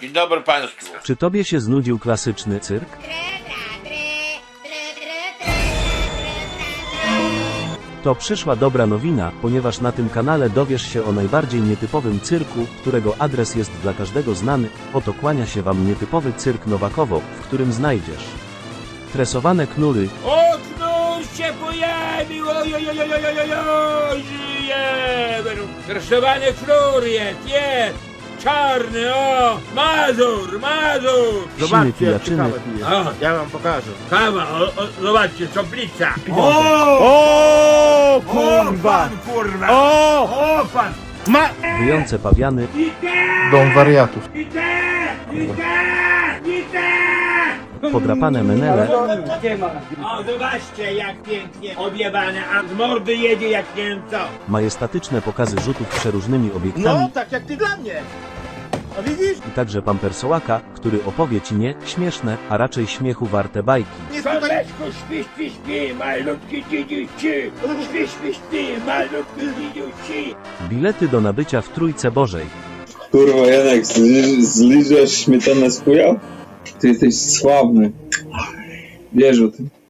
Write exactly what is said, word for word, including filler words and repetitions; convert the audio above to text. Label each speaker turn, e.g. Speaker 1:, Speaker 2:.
Speaker 1: Dzień dobry państwu.
Speaker 2: Czy tobie się znudził klasyczny cyrk? To przyszła dobra nowina, ponieważ na tym kanale dowiesz się o najbardziej nietypowym cyrku, którego adres jest dla każdego znany. Oto kłania się wam nietypowy cyrk Nowakowo, w którym znajdziesz tresowane knury,
Speaker 1: O, knur się pojawił, ojojojojojojoj, żyje! Kreszowany knur jest, jest! Czarny, o! Mazur, Mazur!
Speaker 2: siny pijaczyny,
Speaker 1: O,
Speaker 3: Ja wam pokażę.
Speaker 1: kawa, o, o, zobaczcie, soplica!
Speaker 3: O,
Speaker 1: O, pan, kurwa! O, o pan!
Speaker 3: Ma...
Speaker 2: wyjące pawiany,
Speaker 1: I te!
Speaker 3: Dom wariatów.
Speaker 1: I te! I te! I te!
Speaker 2: podrapane menele,
Speaker 1: O, zobaczcie, jak pięknie objebane, a z mordy jedzie jak nie wiem co.
Speaker 2: majestatyczne pokazy rzutów przeróżnymi obiektami
Speaker 3: No, tak jak ty dla mnie. A widzisz?
Speaker 2: i także pampersołaka, który opowie ci nie śmieszne, a raczej śmiechu warte bajki.
Speaker 3: Nie tutaj...
Speaker 1: Słoneczko, śpi, śpi, śpi, malutki dzidziuci. Śpi, śpi, śpi, malutki dzidziuci.
Speaker 2: Bilety do nabycia w Trójce Bożej.
Speaker 4: Kurwa, Janek, zli- zliżasz śmietanę z chuja? Ty jesteś sławny. Wiesz o tym.